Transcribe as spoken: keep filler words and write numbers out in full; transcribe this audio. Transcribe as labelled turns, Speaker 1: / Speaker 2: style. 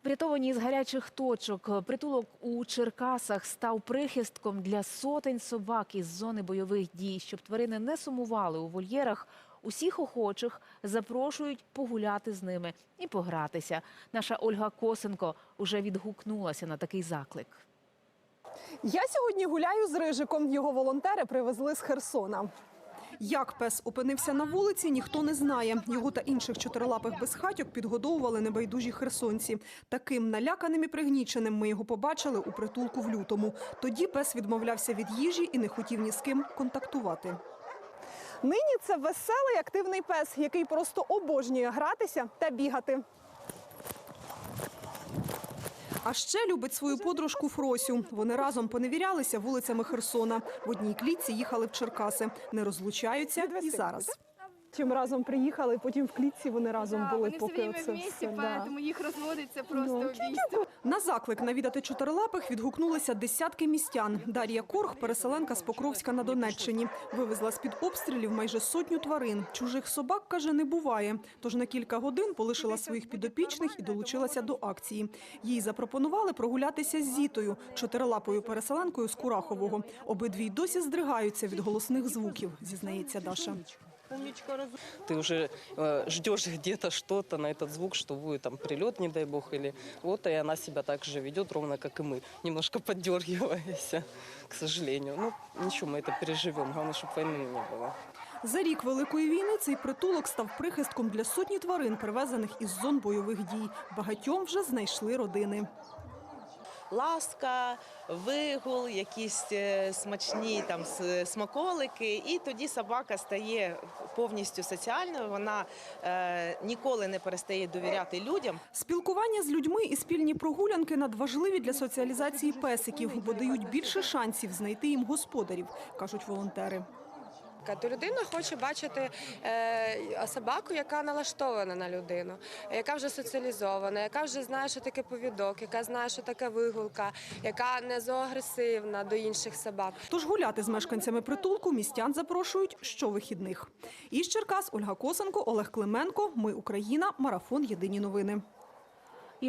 Speaker 1: Врятовані з гарячих точок, притулок у Черкасах став прихистком для сотень собак із зони бойових дій. Щоб тварини не сумували у вольєрах, усіх охочих запрошують погуляти з ними і погратися. Наша Ольга Косенко уже відгукнулася на такий заклик.
Speaker 2: Я сьогодні гуляю з Рижиком. Його волонтери привезли з Херсона. Як пес опинився на вулиці, ніхто не знає. Його та інших чотирилапих безхатьок підгодовували небайдужі херсонці. Таким наляканим і пригніченим ми його побачили у притулку в лютому. Тоді пес відмовлявся від їжі і не хотів ні з ким контактувати. Нині це веселий, активний пес, який просто обожнює гратися та бігати. А ще любить свою подружку Фросю. Вони разом поневірялися вулицями Херсона. В одній клітці їхали в Черкаси. Не розлучаються і зараз. Чим разом приїхали, потім в клітці вони разом
Speaker 3: Да,
Speaker 2: були.
Speaker 3: вони
Speaker 2: поки
Speaker 3: все время
Speaker 2: оце
Speaker 3: вместе,
Speaker 2: все,
Speaker 3: поэтому їх розводиться просто
Speaker 2: Ну.
Speaker 3: убійство.
Speaker 2: На заклик навідати чотирилапих відгукнулися десятки містян. Дар'я Корг – переселенка з Покровська на Донеччині. Вивезла з-під обстрілів майже сотню тварин. Чужих собак, каже, не буває. Тож на кілька годин полишила своїх підопічних і долучилася до акції. Їй запропонували прогулятися з Зітою, чотирилапою переселенкою з Курахового. Обидві й досі здригаються від голосних звуків, зізнається Даша.
Speaker 4: Ты уже э, ждешь где-то что-то на этот звук, что будет там прилет, не дай бог, или вот, и она себя так же ведет, ровно как и мы, немножко поддергиваясь, к сожалению. Ну, ничего, мы это переживем, главное, чтобы войны не было.
Speaker 2: За рік Великої війни цей притулок став прихистком для сотні тварин, привезених із зон бойових дій. Багатьом вже знайшли родини.
Speaker 5: Ласка, вигул, якісь е, смачні там с- смаколики, і тоді собака стає повністю соціальною, вона е, ніколи не перестає довіряти людям.
Speaker 2: Спілкування з людьми і спільні прогулянки надважливі для соціалізації песиків, бо дають більше шансів знайти їм господарів, кажуть волонтери.
Speaker 6: То людина хоче бачити е, собаку, яка налаштована на людину, яка вже соціалізована, яка вже знає, що таке повідок, яка знає, що таке вигулка, яка не зоагресивна до інших собак.
Speaker 2: Тож гуляти з мешканцями притулку містян запрошують щовихідних. Із Черкас Ольга Косенко, Олег Клименко. Ми Україна. Марафон. Єдині новини.